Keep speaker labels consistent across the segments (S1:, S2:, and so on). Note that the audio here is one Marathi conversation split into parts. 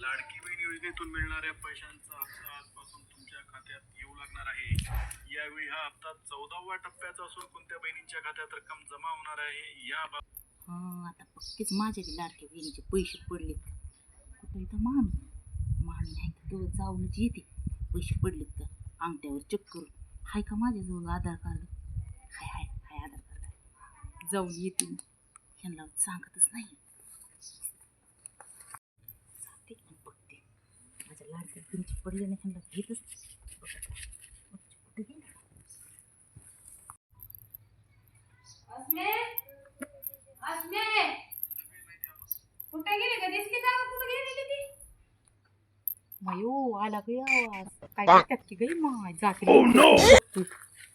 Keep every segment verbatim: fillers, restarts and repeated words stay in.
S1: लाडकी बहीण योजनेतून मिळणाऱ्या पैशांचा हप्ता आजपासून तुमच्या खात्यात येऊ लागणार आहे. यावेळी हा हप्ता चौदाव्या टप्प्याचा असून कोणत्या बहिणींच्या खात्यात रक्कम जमा होणार आहे या
S2: हा आता पक्कीच माझ्या लाडक्या बहिणीचे पैसे पडलेत का? कुठं इथं मामी मामी नाही तर तो जाऊनच येते. पैसे पडलेत का अंगठ्यावर चेक करून. हाय का माझ्याजवळ आधार कार्ड? हाय हाय हाय आधार कार्ड. जाऊन येते मी. ह्यांना सांगतच नाही. जाते आणि बघते माझ्या लाडक्या बहिणीचे पडले नाही. ह्यांना घेतच कुठे गेले?
S3: कुठे गेली का दिसली का कुठे गेलेली ती?
S2: मायो आला ग आवाज. काय करतात की गई माय जाते.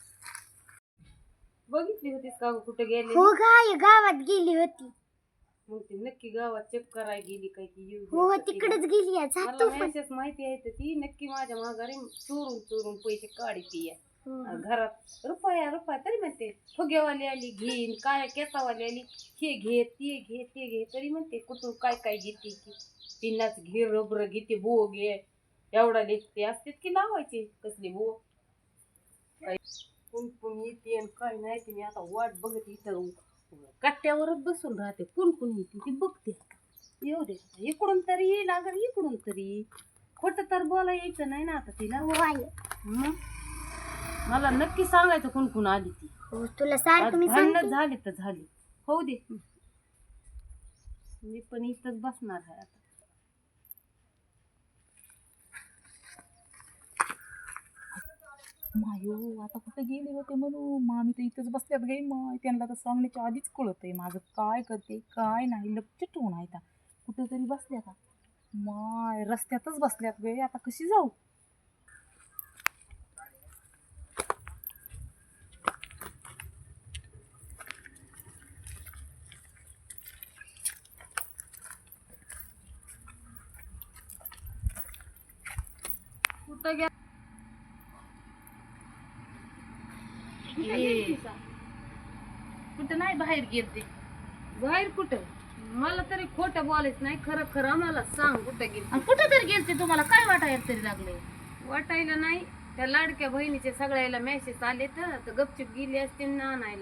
S3: बघितली होतीस का कुठे गेली?
S4: हो गाय गावात गेली होती.
S3: मग ती नक्की गावात चेक करायला गेली काय की येऊ
S4: हो
S3: द्या का
S4: तिकडेच
S3: तिला?
S4: गेली आहे.
S3: मला
S4: जातो पण.
S3: मेसेज माहिती आहे तर ती नक्की माझ्या माघारी चोरून चोरून पैसे काढती
S4: हो.
S3: घरात रुपया रुपया तरी म्हणते फुगेवाली आली घेईन काय केसावाली आली हे घे ते घे ते घे तरी म्हणते कुठून काय काय घेते की पिन्नाच घे रबर घेते बो घे एवढा लेखते असते की लावायचे कसले बो काय कोण कोण येते आणि काय नाही ते मी आता वाट बघत इथं कट्ट्यावरच बसून राहते कोण कोण येते ती बघते येऊ दे इकडून तरी येईल अगर इकडून तरी खोटं तर बोला यायचं नाही ना आता तिला
S4: हो आई.
S3: मग मला नक्की सांगायचं कोण कोण आली ती
S4: हो तुला सारखं मी
S3: भांडण
S4: सांगते.
S3: झाली तर झाली होऊ दे मी पण इथंच बसणार आहे आता
S2: मायो आता कुठे गेले होते म्हणून मामी तर इथंच बसल्यात गाई माय. त्यांना तर सांगण्याच्या आधीच कळत आहे माझं काय करते काय नाही. लक्ष ठेवून आहे आता कुठं तरी बसल्या का माय रस्त्यातच बसल्यात गे. आता कशी जाऊ?
S3: कुठं गे
S2: कुठं नाही बाहेर गेलते.
S3: बाहेर कुठं मला तरी खोटं बोलायचं नाही खरं खरं मला सांग कुठं गेली
S2: आणि कुठं तरी गेलते तुम्हाला काय वाटायला तरी लागले?
S3: वाटायला नाही त्या लाडक्या बहिणीचे सगळ्याला मेसेज आले तर गपचूप गेली असते ना आणायला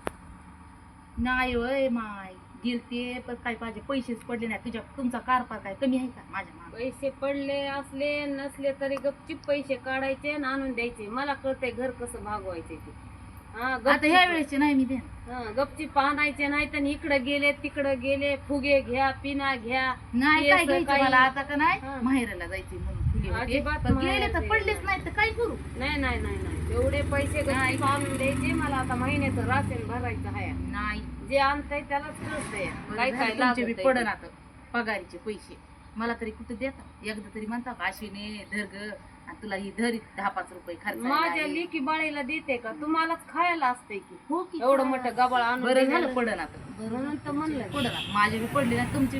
S2: नाही वय माय गेलते पण काय पाहिजे पैसेच पडले नाही. तुझ्या तुमचा कारभार काय कमी आहे का माझ्या मागे?
S3: पैसे पडले असले नसले तरी गपचूप पैसे काढायचे आणि आणून द्यायचे मला कळतंय घर कसं भागवायचे ते हा
S2: आता
S3: गपचूप-
S2: ह्या वेळेचे नाही मी दे.
S3: हा गपचीप आणायचे नाही तर इकडे गेले तिकडे गेले फुगे घ्या पिना घ्या
S2: नाही
S3: केस
S2: काय घ्यायचं
S3: काही-
S2: मला आता का नाही
S3: हा.
S2: माहेराला जायचे म्हणून फुले होते.
S3: अजिबात
S2: पण गेले
S3: माहेराला
S2: तर पडलेच
S3: जायचं.
S2: नाही तर काय करू?
S3: नाही नाही नाही नाही एवढे पैसे गपचीप आणून द्यायचे मला आता महिन्याचं राशन भरायचं आहे
S2: नाही
S3: जे आणतंय त्यालाच कळतंय काय काय
S2: तुमचे बी
S3: लागतंय.
S2: पडन आता पगारीचे पैसे मला तरी कुठे देतात? एकदा तरी म्हणता का अश्विनी धर ग आणि तुला ही धरी दहा पाच रुपये खर्च
S3: माझ्या लेकी बाळीला देते का तुम्हालाच खायला असतंय की
S2: हो की
S3: एवढं मोठं गबाळ आणून
S2: बरं झालं
S3: दिलेलं.
S2: पडन आता.
S3: म्हणून तर म्हणलं
S2: पडन आता. माझे बी पडले ना तुमचे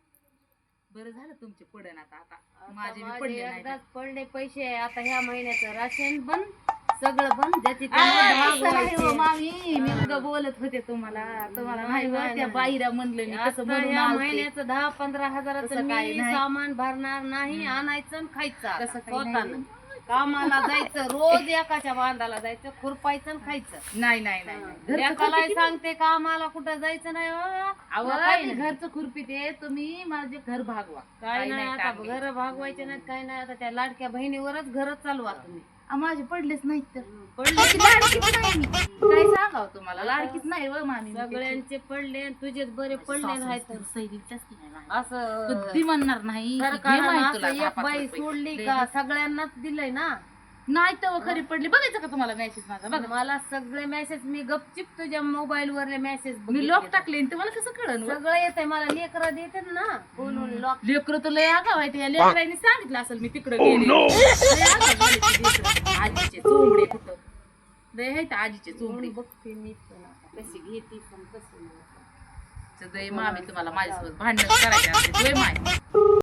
S2: बरं झालं तुमचे पडन आता. आता
S3: आता
S2: माझे बी
S3: माझे
S2: पडले नाही
S3: एकदाच पडले पैसे आता ह्या महिन्याचं राशन बंद सगळं बंद ज्याची
S2: आ,
S3: त्याला
S2: असं नाही हो
S3: भागवायचे.
S2: मामी मी उगा बोलत होते तुम्हाला तुम्हाला नाही
S3: नाही,
S2: बरं
S3: नाही,
S2: त्या
S3: नाही.
S2: बाईला म्हणलं मी कसं
S3: आता
S2: म्हणून
S3: ह्या
S2: आलते.
S3: महिन्याचं दहा पंधरा हजाराचं
S2: तसं काही
S3: मी
S2: नाही.
S3: सामान भरणार नाही आणायचं आणि खायचं आता.
S2: तसं काही
S3: स्वतःनं.
S2: नाही.
S3: कामाला जायचं रोज एकाच्या बांधाला जायचं खुरपायचं आणि खायचं
S2: नाही नाही नाही नाही. घरचं
S3: एकाला
S2: खुरपी किती-
S3: सांगते कामाला कुठं जायचं नाही हो.
S2: अहो,
S3: मला काही
S2: मी
S3: नाही.
S2: घरचं खुरपी ते तुम्ही माझे घर भागवा.
S3: काय नाही आता
S2: काम घ्यायचं.
S3: घर भागवायचे नाहीत काय नाही आता त्या लाडक्या बहिणीवरच घर चालवा तुम्ही
S2: आ, माझे पडलेच नाहीत तर
S3: पडले
S2: ती लाडकीच नाही मी. काय सांगावं तुम्हाला लाडकीच नाही व मामी मी.
S3: सगळ्यांचे पडले आणि तुझेच बरे पडले
S2: सासू
S3: राहायचं
S2: तर सैलीच्याच की नाही माझी.
S3: असं
S2: कधी म्हणणार नाही की घे
S3: सरकारनं
S2: माई तुला
S3: असं
S2: दहा
S3: एक
S2: पाच
S3: बाई
S2: रुपये.
S3: सोडली
S2: लय
S3: का सगळ्यांनाच दिलंय ना
S2: नाही तर खरी पडली. बघायचं का तुम्हाला मेसेज माझा? बघा
S3: मला सगळे मेसेज मी गपचिप तुझ्या मोबाईल वरले मेसेज
S2: मी लॉक टाकले आणि तुम्हाला कसं कळन?
S3: सगळं येतंय मला लेकरं देतात ना बोलून लॉक
S2: लेकरं तर लय आगाव आहे. त्या लेकरांनी सांगितलं असेल मी तिकडे गेले. लय आगाव झाले ते लेकरं. आजीचे चोंबडे कुठं लय आहेत आजीचे चोंबडे.
S3: बघते मी पण आता कशी घेते पण कशी नाही.
S2: सगळे मामी तुम्हाला माझ्यासोबत भांडण करायचे असते. लय माय